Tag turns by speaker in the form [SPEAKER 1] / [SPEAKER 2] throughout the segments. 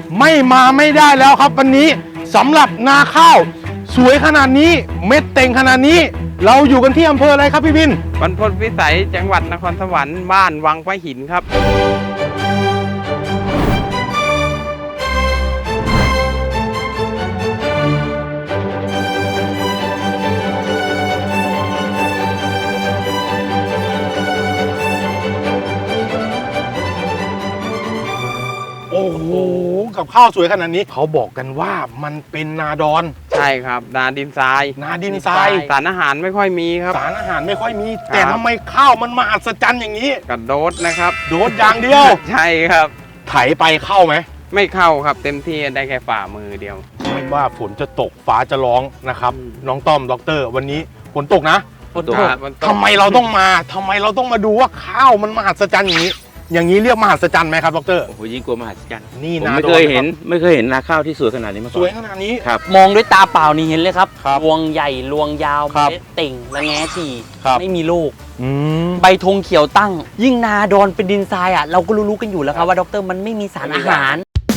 [SPEAKER 1] ไม่มาไม่ได้แล้วครับวันนี้สำหรับนาข้าวสวยขนาดนี้เม็ดเต็งขนาดนี้เราอยู่กันที่อำเภออะไรครับพี่วิน
[SPEAKER 2] บรรพตวิสัยจังหวัดนครสวรรค์บ้านวังพระหินครับ
[SPEAKER 1] โอ้โหกับข้าวสวยขนาดนี้เขาบอกกันว่ามันเป็นนาดอน
[SPEAKER 2] ใช่ครับนาดินทรายสารอาหารไม่ค่อยมีครับ
[SPEAKER 1] สารอาหารไม่ค่อยมีแต่ทำไมข้าวมันมหัศจรรย์อย่างนี้
[SPEAKER 2] กระโดดนะครับ
[SPEAKER 1] โดดอย่างเดียว
[SPEAKER 2] ใช่ครับ
[SPEAKER 1] ไถไปเข้าไหม
[SPEAKER 2] ไม่เข้าครับเต็มที่ได้แค่ฝ่ามือเดียว
[SPEAKER 1] ไม่ว่าฝนจะตกฟ้าจะร้องนะครับน้องต้อมด็อกเตอร์วันนี้ฝนตกนะ
[SPEAKER 2] ฝนตก
[SPEAKER 1] ทำไมเราต้องมาดูว่าข้าวมันมหัศจรรย์อย่างนี้เรียกมหัศจรรย์ไหมครับดร.
[SPEAKER 3] โอ้โหยิ่งกว่ามหัศจรรย์
[SPEAKER 1] นี่
[SPEAKER 3] นะไม่เคยเห็นนาข้าวที่สวยขนาดนี้มาก่อน
[SPEAKER 1] สวยขนาดนี้
[SPEAKER 3] ครับ
[SPEAKER 4] มองด้วยตาเปล่านี่เห็นเลยครับรวงใหญ่รวงยาวเม็ดเต่งและแง่ฉี่ไม่มีลูกใบธงเขียวตั้งยิ่งนาดอนเป็นดินทรายอ่ะเราก็รู้กันอยู่แล้วครับว่าดร.มันไม่มีสารอาหาร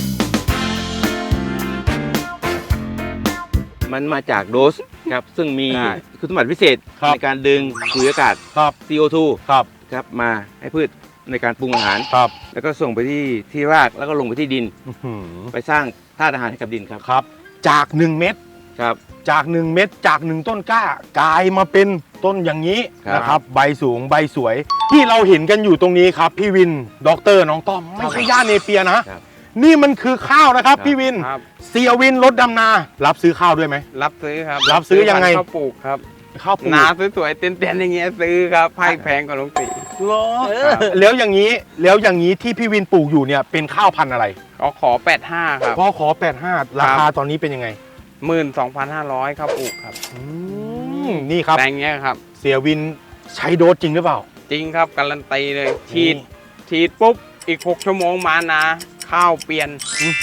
[SPEAKER 3] มันมาจากโดสครับซึ่งมีคุณสมบัติพิเศษในการดึงสูญญากาศ CO2 ครับมาให้พืชในการปรุงอาหารแล้วก็ส่งไปที่รากแล้วก็ลงไปที่ดินไปสร้างธาตุอาหารให้กับดิน
[SPEAKER 1] ครับจาก1 เม็ด
[SPEAKER 3] ครับ
[SPEAKER 1] จาก1 เม็ดจาก1 ต้นกล้ากลายมาเป็นต้นอย่างนี้นะครับใบสูงใบสวยที่เราเห็นกันอยู่ตรงนี้ครับพี่วินด็อกเตอร์น้องต้อมไม่ใช่หญ้าเนเปียนะนี่มันคือข้าวนะครับพี่วินเสียวินรถดำนารับซื้อข้าวด้วยไหม
[SPEAKER 2] รับซื้อครับ
[SPEAKER 1] รับซื้อยังไง
[SPEAKER 2] ข้าวปลูกครับ
[SPEAKER 1] ข้าวปลูก
[SPEAKER 2] นาสวยๆเต้นๆอย่างเงี้ยซื้อครับให้แพงกว่าลงสี
[SPEAKER 1] แล้วอย่างนี้ที่พี่วินปลูกอยู่เนี่ยเป็นข้าวพันธุ์อะไร
[SPEAKER 2] ขอ85ครับ
[SPEAKER 1] ขอ85ราคาตอนนี้เป็นยังไง
[SPEAKER 2] 12,500ข้าวปลูกครับ
[SPEAKER 1] นี่ครับ
[SPEAKER 2] แปลงเงี้ยครับ
[SPEAKER 1] เสียวินใช้โดสจริงหรือเปล่า
[SPEAKER 2] จริงครับการันตีเลยฉีดปุ๊บอีก6 ชั่วโมงมานาข้าวเปลี่ยน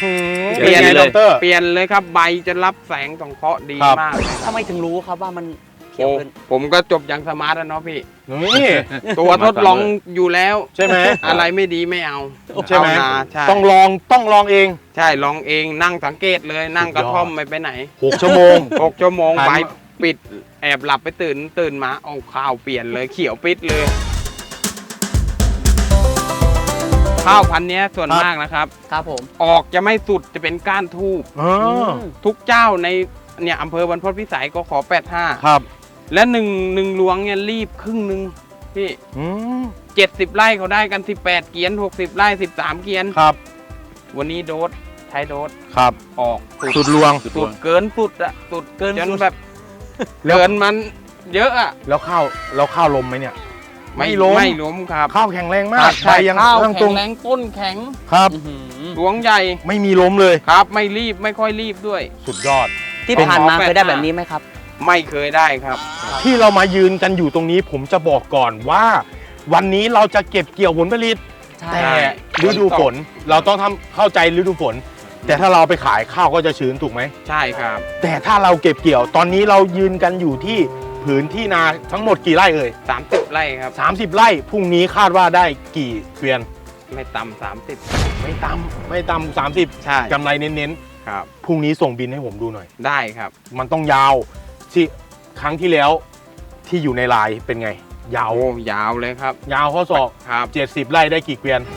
[SPEAKER 2] เลยครับใบจะรับแสงสังเคราะห์ดีมาก
[SPEAKER 4] ทำไมถึงรู้ครับว่ามันเขียวขึ้น
[SPEAKER 2] ผมก็จบอย่างสมาร์ทแล้วเนาะพี่นี่ตัวทดลองอยู่แล้ว
[SPEAKER 1] ใช่ไหม
[SPEAKER 2] อะไรไม่ดีไม่เอา
[SPEAKER 1] ใช่ไหมต้องลองเอง
[SPEAKER 2] ใช่ลองเองนั่งสังเกตเลยนั่งกระท่อมไม่ไปไหน
[SPEAKER 1] 6 ชั่วโมง
[SPEAKER 2] 6 ชั่วโมงใบปิดแอบหลับไปตื่นมาเอาข้าวเปลี่ยนเลยเขียวปิดเลยข้าวพันธุ์นี้ส่วนมากนะครับ
[SPEAKER 4] ผม
[SPEAKER 2] ออกจะไม่สุดจะเป็นก้านทูบทุกเจ้าในเนี่ยอำเภอบรรพตวิสัยก็ขอ85
[SPEAKER 1] ครับ
[SPEAKER 2] และหนึ่งหลวงเนี่ยรีบครึ่งนึงพี่70 ไร่เขาได้กัน18 เกียน60 ไร่13 เกียน
[SPEAKER 1] ครับ
[SPEAKER 2] วันนี้โดสใช้โดส
[SPEAKER 1] ครับ
[SPEAKER 2] ออก
[SPEAKER 1] สุดลวง
[SPEAKER 2] สุดเกินสุดอะสุดเกินจนแบบเกินมันเยอะอะ
[SPEAKER 1] แล้วข้าวลมไหมเนี่ย
[SPEAKER 2] ไม่ล้มครับ
[SPEAKER 1] ข้าวแข็งแรงมาก
[SPEAKER 2] ใช่ข้าวแข็งแรงต้นแข็ง
[SPEAKER 1] ครับ
[SPEAKER 2] หลวงใหญ่
[SPEAKER 1] ไม่มีล้มเลย
[SPEAKER 2] ครับไม่รีบไม่ค่อยรีบด้วย
[SPEAKER 1] สุดยอด
[SPEAKER 4] ที่ผ่านมาเคยได้แบบนี้ไหมครับ
[SPEAKER 2] ไม่เคยได้ครับ
[SPEAKER 1] ที่เรามายืนกันอยู่ตรงนี้ผมจะบอกก่อนว่าวันนี้เราจะเก็บเกี่ยวผลผลิตแต่ฤดูฝนเราต้องเข้าใจฤดูฝนแต่ถ้าเราไปขายข้าวก็จะชื้นถูกไหม
[SPEAKER 2] ใช่ครับ
[SPEAKER 1] แต่ถ้าเราเก็บเกี่ยวตอนนี้เรายืนกันอยู่ที่ผืนที่นาทั้งหมดกี่ไร่เอ่ย
[SPEAKER 2] 30 ไร่ครับ
[SPEAKER 1] 30 ไร่พรุ่งนี้คาดว่าได้กี่เกวียน
[SPEAKER 2] ไม่ต่ำ30
[SPEAKER 1] ไม่ต่ำ30
[SPEAKER 2] ใช่
[SPEAKER 1] กำไรเน้น
[SPEAKER 2] ๆครับ
[SPEAKER 1] พรุ่งนี้ส่งบินให้ผมดูหน่อย
[SPEAKER 2] ได้ครับ
[SPEAKER 1] มันต้องยาวที่ครั้งที่แล้วที่อยู่ในไลน์เป็นไงยาวย
[SPEAKER 2] าวเลยครับ
[SPEAKER 1] ยาวข้อศอก
[SPEAKER 2] ครับ
[SPEAKER 1] 70 ไร่ได้กี่เกวียน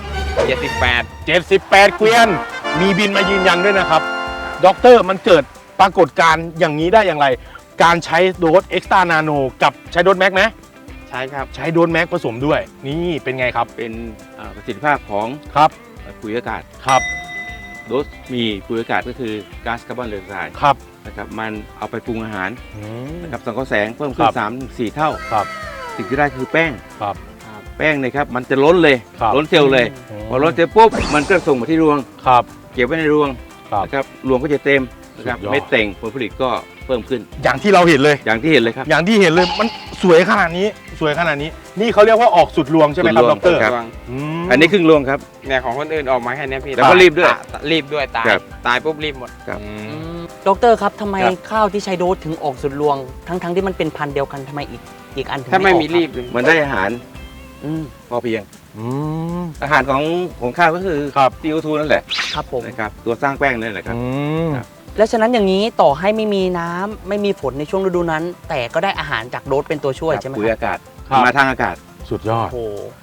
[SPEAKER 1] 78เกวียนมีบินมายืนยันด้วยนะครับด็อกเตอร์มันเกิดปรากฏการณ์อย่างนี้ได้อย่างไรการใช้โดสเอ็กซ์ตร้านาโนกับใช้โดสแม็กไหม
[SPEAKER 2] ใช่ครับ
[SPEAKER 1] ใช้โดสแม็กผสมด้วยนี่เป็นไงครับ
[SPEAKER 3] เป็นประสิทธิภาพของปุ๋ยอากาศ
[SPEAKER 1] ครับ
[SPEAKER 3] โดสมีปุ๋ยอากาศก็คือก๊าซคาร์บอนไดออกไซด์
[SPEAKER 1] ครับ
[SPEAKER 3] นะครับมันเอาไปปรุงอาหารนะครับสังเคราะห์แสงเพิ่มขึ้น3-4 เท่า
[SPEAKER 1] ครับ
[SPEAKER 3] สิ่งที่ได้คือแป้ง
[SPEAKER 1] ครับ
[SPEAKER 3] แป้งนะครับมันจะล้นเลยล้นเซลล์เลยพอล้นเซลล์ปุ๊บมันก็ส่งมาที่รวง
[SPEAKER 1] ครับ
[SPEAKER 3] เก็บไว้ในรวงนะครับรวงก็จะเต็มนะครับเม็ดเต่งผลผลิตก็เพิ่มขึ้น
[SPEAKER 1] อย่างที่เราเห็นเลย
[SPEAKER 3] อย่างที่เห็นเลยครับ
[SPEAKER 1] อย่างที่เห็นเลยมันสวยขนาดนี้นี่เขาเรียกว่าออกสุดรวงใช่ไหมครับดร.
[SPEAKER 3] อันนี้ครึ่งรวงครับ
[SPEAKER 2] เนี่ยของคนอื่นออกมาแค่นี้พี่
[SPEAKER 3] แล้วก็รีบด้วย
[SPEAKER 2] ตายปุ๊บรีบหมด
[SPEAKER 3] ครับ
[SPEAKER 4] ดร.ครับทำไมข้าวที่ใช้โดสถึงออกสุดรวงทั้งที่มันเป็นพันธุ์เดียวกันทำไมอีกอันถึง
[SPEAKER 2] ถ้าไม่มีรีบ
[SPEAKER 3] มันได้อาหารพอเพียงอาหารของข้าวก็คือ
[SPEAKER 1] ครับ
[SPEAKER 3] CO2 นั่นแหละ
[SPEAKER 4] ครับผม
[SPEAKER 3] นะครับตัวสร้างแป้งนั่นแหละครับ ครับ
[SPEAKER 4] และฉะนั้นอย่างนี้ต่อให้ไม่มีน้ำไม่มีฝนในช่วงฤดูนั้น แต่ก็ได้อาหารจากโดสเป็นตัวช่วยใช่ไหม
[SPEAKER 3] ปุ๋ย
[SPEAKER 4] ครับ
[SPEAKER 3] อากาศ
[SPEAKER 1] ครับ
[SPEAKER 3] มาทางอากาศ
[SPEAKER 1] สุดยอด
[SPEAKER 4] โอ้โห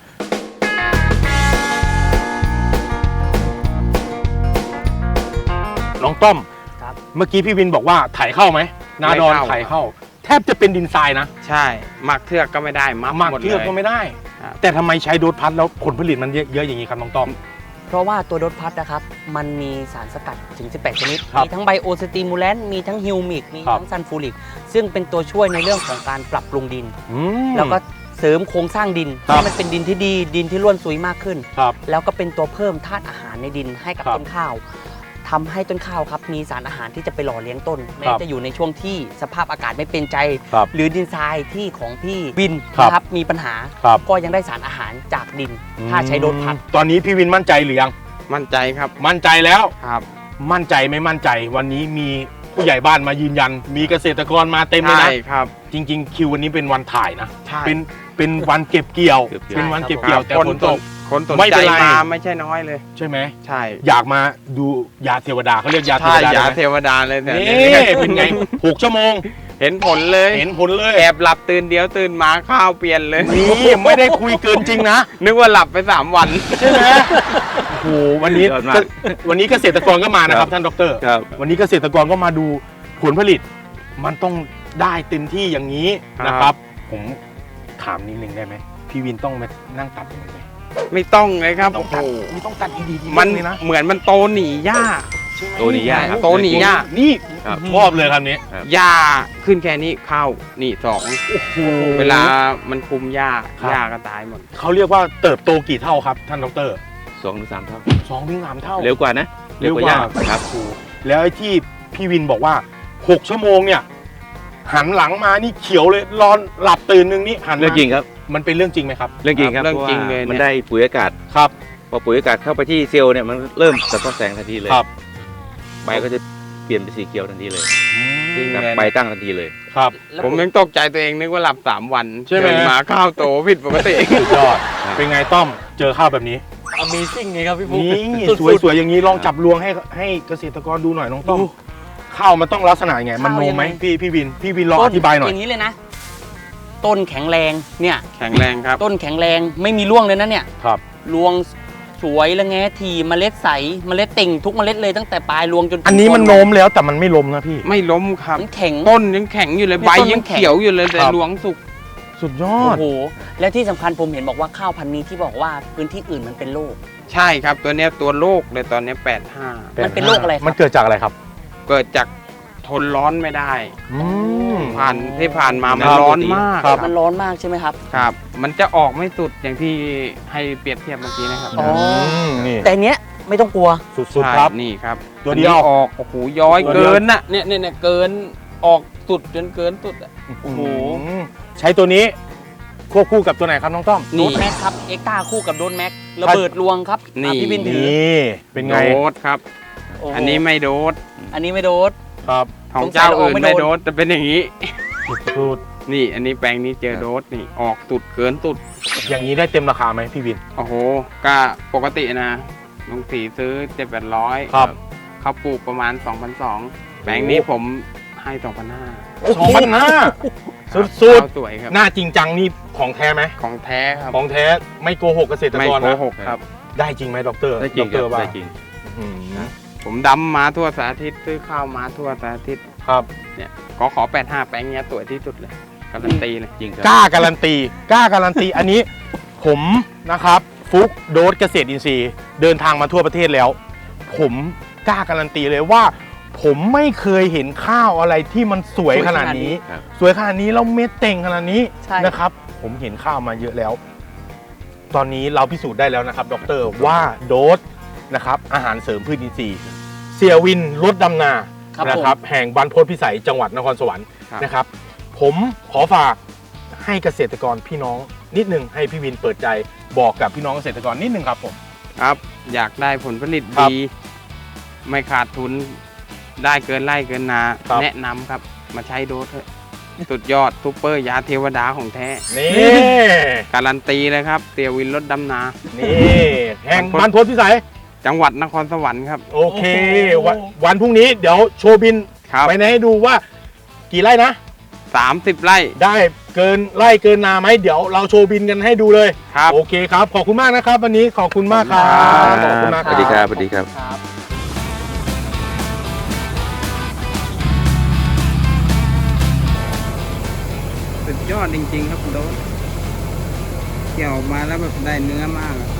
[SPEAKER 1] น้องต้อม
[SPEAKER 4] ครับ
[SPEAKER 1] เมื่อกี้พี่วินบอกว่าไถเข้าไหมนาดอนไถเข้า แทบจะเป็นดินทรายนะ
[SPEAKER 2] ใช่หมักเทือกก็ไม่ได้มั
[SPEAKER 1] หมัก
[SPEAKER 2] หมด
[SPEAKER 1] เทือกก็ไม่ได้
[SPEAKER 2] ครับ
[SPEAKER 1] แต่ทำไมใช้โดสพัดแล้วผลผลิตมันเยอะอย่างนี้ครับน้องต้อม
[SPEAKER 4] เพราะว่าตัวโดสพัดนะครับมันมีสารสกัดถึง 18 ชนิด
[SPEAKER 1] ครับ
[SPEAKER 4] มีทั้งไบโอสติมูแลนต์มีทั้งฮิวมิกมี
[SPEAKER 1] ครับ
[SPEAKER 4] ทั้งซันฟูริกซึ่งเป็นตัวช่วยในเรื่องของการปรับปรุงดิน
[SPEAKER 1] อืม
[SPEAKER 4] แล้วก็เสริมโครงสร้างดิน
[SPEAKER 1] ครับ
[SPEAKER 4] ให้มันเป็นดินที่ดีดินที่ร่วนซุยมากขึ้น
[SPEAKER 1] ครับ
[SPEAKER 4] แล้วก็เป็นตัวเพิ่มธาตุอาหารในดินให้กับ
[SPEAKER 1] ครับ
[SPEAKER 4] ต้นข้าวทำให้ต้นข้าวครับมีสารอาหารที่จะไปหล่อเลี้ยงต้นแม้
[SPEAKER 1] ครับ
[SPEAKER 4] จะอยู่ในช่วงที่สภาพอากาศไม่เป็นใจ
[SPEAKER 1] ครับ
[SPEAKER 4] หรือดินทรายที่ของพี่วิน
[SPEAKER 1] ครับ
[SPEAKER 4] นะครับมีปัญหา
[SPEAKER 1] ครับ
[SPEAKER 4] ก็ยังได้สารอาหารจากดิน ถ้าใช้โดสพัด
[SPEAKER 1] ตอนนี้พี่วินมั่นใจหรือยัง
[SPEAKER 2] มั่นใจครับ
[SPEAKER 1] มั่นใจแล้ว
[SPEAKER 2] ครับ
[SPEAKER 1] มั่นใจไม่มั่นใจ วันนี้มีผู้ใหญ่บ้านมายืนยัน มีเกษตรกรมาเต็มเลย
[SPEAKER 2] ใช่
[SPEAKER 1] นะ
[SPEAKER 2] ครับ
[SPEAKER 1] จริง ๆ คิววันนี้เป็นวันถ่ายนะ
[SPEAKER 2] ใช่
[SPEAKER 1] เป็นวันเก็บเกี่ยว
[SPEAKER 3] เก็บเกี่ยว
[SPEAKER 1] เป็นวันเก็บเกี่ยวแต่
[SPEAKER 2] คน
[SPEAKER 1] ฝน
[SPEAKER 2] ส
[SPEAKER 1] ต
[SPEAKER 2] น
[SPEAKER 1] ก
[SPEAKER 2] คนสน
[SPEAKER 1] ไม่
[SPEAKER 2] ใจ
[SPEAKER 1] เป็นไร
[SPEAKER 2] มาไม่ใช่น้อยเลย
[SPEAKER 1] ใช่ไหม
[SPEAKER 2] ใช่
[SPEAKER 1] อยากมาดูยาเทวดาเขาเรียกยาเท
[SPEAKER 2] ใช่
[SPEAKER 1] วดาย
[SPEAKER 2] า
[SPEAKER 1] ได้ไหม
[SPEAKER 2] เทวดาเลยแต่
[SPEAKER 1] นี่เป็นไง6 ชั่วโมง
[SPEAKER 2] เห็นผลเลย
[SPEAKER 1] เห็นผลเลย
[SPEAKER 2] แอบหลับตื่นเดียวตื่นมาข้าวเปลี่ยนเลย
[SPEAKER 1] นี่ไม่ได้คุยเกินจริงนะ
[SPEAKER 2] นึกว่าหลับไป 3 วัน
[SPEAKER 1] ใช่ไหมโอ้โหวันนี้
[SPEAKER 3] ยอดมาก
[SPEAKER 1] วันนี้เกษตรกรก็มานะครับท่านดร
[SPEAKER 3] ครับ
[SPEAKER 1] วันนี้เกษตรกรก็มาดูผลผลิต มันต้องได้เต็มที่อย่างนี้
[SPEAKER 2] ครับ
[SPEAKER 1] นะครับ ผมถามนิดนึงได้ไหมพี่วินต้องมานั่งตัดอย่างนี้ไหม
[SPEAKER 2] ไม่ต้องเลยครับ
[SPEAKER 1] ต้อง
[SPEAKER 2] โอ้โห
[SPEAKER 1] ตัดไม่ต้องตัดดีๆ
[SPEAKER 2] มัน
[SPEAKER 1] เลยนะ
[SPEAKER 2] เหมือนมันโตหนีหญ้า
[SPEAKER 1] ใช่ไหม
[SPEAKER 3] โตหนีหญ้าครับ
[SPEAKER 2] โตหนีหญ้า
[SPEAKER 1] นี่
[SPEAKER 3] ครับ
[SPEAKER 1] ชอบเลยคำนี้
[SPEAKER 2] หญ้าขึ้นแค่นี้เข้านี่2
[SPEAKER 1] โอ้โห
[SPEAKER 2] เวลามันคุมหญ้า
[SPEAKER 1] ครับ
[SPEAKER 2] หญ้าก็ตายหมด
[SPEAKER 1] เขาเรียกว่าเติบโตกี่เท่าครับท่านดร
[SPEAKER 3] 2-3 เท่า
[SPEAKER 1] 2-3 เท่า
[SPEAKER 3] เร็วกว่านะ
[SPEAKER 1] เร็วกว่า
[SPEAKER 3] ครับ
[SPEAKER 1] แล้วไอ้ที่พี่วินบอกว่า6 ชั่วโมงเนี่ยหันหลังมานี่เขียวเลยรอนหลับตื่นนึงนี่หันมา
[SPEAKER 3] เรื่องจริงครับ
[SPEAKER 1] มันเป็นเรื่องจริงไหมครับ
[SPEAKER 3] เรื่องจริงครับ
[SPEAKER 2] เรื่อง
[SPEAKER 3] เพราะ
[SPEAKER 2] จริง
[SPEAKER 3] ว่า
[SPEAKER 2] เลยเนี่ย
[SPEAKER 3] มันได้ปุ๋ยอากาศ
[SPEAKER 1] ครับ
[SPEAKER 3] พอปุ๋ยอากาศเข้าไปที่เซลล์เนี่ยมันเริ่มสะท้อนแสงทันทีเลย
[SPEAKER 1] ครับ
[SPEAKER 3] ใบก็จะเปลี่ยนเป็นสีเขียวทันทีเลย
[SPEAKER 2] จริง
[SPEAKER 3] ครับ
[SPEAKER 2] เลย
[SPEAKER 3] ใบตั้งทันทีเลย
[SPEAKER 1] ครับ
[SPEAKER 4] แล้ว
[SPEAKER 2] ผมยังตกใจตัวเองนึกว่าหลับ3 วัน
[SPEAKER 1] ใช่ไหม
[SPEAKER 2] ตื่นมาข้าวโตผิดปกติ
[SPEAKER 1] สุดยอด
[SPEAKER 3] ครับ
[SPEAKER 1] เป็นไงต้อมเจอข้าวแบบนี้
[SPEAKER 4] Amazing ไงครับพี่ปุ๊ก
[SPEAKER 1] นี่
[SPEAKER 4] สุดๆ
[SPEAKER 1] สวยๆอย่างนี้ลองจับลวงให้เกษตรกรดูหน่อยน้องต้อมข้าวมันต้องลักษณะยังไง มันโนมไหม
[SPEAKER 4] ข้าวยังไง
[SPEAKER 1] พี่วินลองอธิบายหน่อย
[SPEAKER 4] อย่างนี้เลยนะ ต้นแข็งแรงเนี่ย
[SPEAKER 2] แข็งแรงครับ
[SPEAKER 4] ต้นแข็งแรงไม่มีร่วงเลยนะเนี่ย
[SPEAKER 1] ครับ
[SPEAKER 4] รวงสวยและแงทีเมล็ดใสเมล็ดเต่งทุกเมล็ดเลยตั้งแต่ปลายรวงจนถึง
[SPEAKER 1] อันนี้มัน
[SPEAKER 4] ต้
[SPEAKER 1] โน้มแล้วแต่มันไม่ล้มนะพี่
[SPEAKER 2] ไม่ล้มครับ
[SPEAKER 4] มันแข็ง
[SPEAKER 2] ต้นยังแข็งอยู่เลย
[SPEAKER 4] นี่
[SPEAKER 2] ใบ
[SPEAKER 4] ต้นมัน
[SPEAKER 2] ยัง
[SPEAKER 4] แข็ง
[SPEAKER 2] เขียวอยู่เลยแต่
[SPEAKER 1] ครับ
[SPEAKER 2] หลวงสุก
[SPEAKER 1] สุดยอ
[SPEAKER 4] โอ้
[SPEAKER 1] ด
[SPEAKER 4] โหและที่สำคัญผมเห็นบอกว่าข้าวพันธุ์นี้ที่บอกว่าพื้นที่อื่นมันเป็นโรค
[SPEAKER 2] ใช่ครับตัวเนี้ยตัวโรคเลยตอนเนี้ย85
[SPEAKER 4] มันเป็นโรคอะไรครับ
[SPEAKER 1] มันเกิดจากอะไรครับ
[SPEAKER 2] เกิดจากทนร้อนไม่ได้
[SPEAKER 1] อืม
[SPEAKER 2] ผ่านมามัน
[SPEAKER 1] ครับ
[SPEAKER 2] ร้อนมาก
[SPEAKER 1] ครับ
[SPEAKER 4] มันร้อนมากใช่ไหมครับ
[SPEAKER 2] ครับ มันจะออกไม่สุดอย่างที่ให้เปรียบเทียบเมื่อกี้นะครับ
[SPEAKER 4] อ๋อ
[SPEAKER 1] นี่
[SPEAKER 4] แต่เนี้ยไม่ต้องกลัว
[SPEAKER 1] สุดๆครับ
[SPEAKER 2] ใช่นี่ครับ
[SPEAKER 1] ตัวเดียว
[SPEAKER 2] อันนี้ออกโอ้โหย้อย
[SPEAKER 1] ตัวเดียว
[SPEAKER 2] เกินน่ะเนี่ยเกินออกสุดจนเกินสุดอะ
[SPEAKER 1] โอ้โหใช้ตัวนี้ควบคู่กับตัวไหนครับน้องต้อม
[SPEAKER 4] โดนแม็กครับเอ็กตาคู่กับโดนแม็กระเบิดรวงครับ
[SPEAKER 2] นี่
[SPEAKER 4] อ่ะพี่บินถือ
[SPEAKER 1] นี่เป็นไง
[SPEAKER 2] โดสครับ
[SPEAKER 4] โโห
[SPEAKER 2] อันนี้ไม่โดส
[SPEAKER 4] อันนี้ไม่โดน
[SPEAKER 1] ครับ
[SPEAKER 2] ของ
[SPEAKER 4] สงสัย
[SPEAKER 2] เจ้า
[SPEAKER 4] เราออก
[SPEAKER 2] อื่น
[SPEAKER 4] ไม่
[SPEAKER 2] ไม่
[SPEAKER 4] โด
[SPEAKER 2] โด
[SPEAKER 4] น
[SPEAKER 2] สจะเป็นอย่างนี้
[SPEAKER 1] สุด
[SPEAKER 2] นี่อันนี้แปลงนี้เจอโดสนี่ออกสุดเกินสุด
[SPEAKER 1] ๆอย่างนี้ได้เต็มราคาไหมพี่วิน
[SPEAKER 2] โอ้โหก็ปกตินะลุงสีซื้อ700-800
[SPEAKER 1] ครับ
[SPEAKER 2] เขาปลูกประมาณ 2,200 แปลงนี้ผมให้2,500
[SPEAKER 1] 2,500สุด
[SPEAKER 2] ข้าวสวยครับ
[SPEAKER 1] ๆหน้าจริงจังนี่ของแท้ไหม
[SPEAKER 2] ของแท้ครับ
[SPEAKER 1] ของแท้ไม่โกหกเกษตร
[SPEAKER 2] ไม่
[SPEAKER 1] กร
[SPEAKER 2] โก
[SPEAKER 1] นะ
[SPEAKER 2] หกครับ
[SPEAKER 1] ได้จริงไหมดร
[SPEAKER 3] ได้จริง
[SPEAKER 1] ด
[SPEAKER 3] ครับ
[SPEAKER 1] ว่า
[SPEAKER 3] ได้จริง
[SPEAKER 1] อืม
[SPEAKER 2] ผมดำมาทั่วสารทิศซื้อข้าวมาทั่วสารทิศ
[SPEAKER 1] ครับ
[SPEAKER 2] เนี่ยขอ85 แปลงเนี้ยสวยที่สุดเลยการันตีเลย
[SPEAKER 3] จริงครับ
[SPEAKER 1] กล้าการันตีอันนี้ผมนะครับฟุกโดสเกษตรอินทรีย์เดินทางมาทั่วประเทศแล้ว ผมกล้าการันตีเลยว่า ผมไม่เคยเห็นข้าวอะไรที่มันสวยขนาดนี้
[SPEAKER 3] ครับ
[SPEAKER 1] สวยขนาดนี้แล้วเม็ดเต่งขนาดนี้
[SPEAKER 4] ใช่
[SPEAKER 1] นะครับ ผมเห็นข้าวมาเยอะแล้ว ตอนนี้เราพิสูจน์ได้แล้วนะครับดรว่าโดสนะครับอาหารเสริมพืชอินทรีย์เสียวินรถดำนา
[SPEAKER 4] ครับ
[SPEAKER 1] นะ
[SPEAKER 4] ผม
[SPEAKER 1] ครับแห่งบรรพตพิสัยจังหวัดนครสวรรค์
[SPEAKER 2] ครับ
[SPEAKER 1] นะครับ ผมขอฝากให้เกษตรกรพี่น้องนิดนึงให้พี่วินเปิดใจบอกกับพี่น้องเกษตรกรนิดนึงครับผม
[SPEAKER 2] ครับ อยากได้ผลผลิต
[SPEAKER 1] ครับ
[SPEAKER 2] ดี ไม่ขาดทุนได้เกินไร่เกินนา
[SPEAKER 1] ครับ
[SPEAKER 2] แนะนำครับ มาใช้โดสเถอะสุดยอดซุปเปอร์ยาเทวดาของแท้
[SPEAKER 1] นี่
[SPEAKER 2] การันตีเลยครับเตียวินรถดำนา
[SPEAKER 1] นี่แห่งบรรพตพิสัย
[SPEAKER 2] จังหวัดนครสวรรค์ครับ
[SPEAKER 1] โอเควันพรุ่งนี้เดี๋ยวโชว์บิน
[SPEAKER 2] ครับ
[SPEAKER 1] ไปให้ดูว่ากี่ไร่นะ
[SPEAKER 2] 30 ไร่
[SPEAKER 1] ได้เกินไร่เกินนาไหมเดี๋ยวเราโชว์บินกันให้ดูเลย
[SPEAKER 2] ครับ
[SPEAKER 1] โอเคครับ ขอบคุณมากนะครับ วันนี้ขอบคุณมากครับขอบคุณมาก
[SPEAKER 3] สวัสดีครับสวัสดีครับ
[SPEAKER 2] สุดยอดจริงๆครับคุณโดสเกี่ยวออกมาแล้วแบบได้เนื้อมากอะ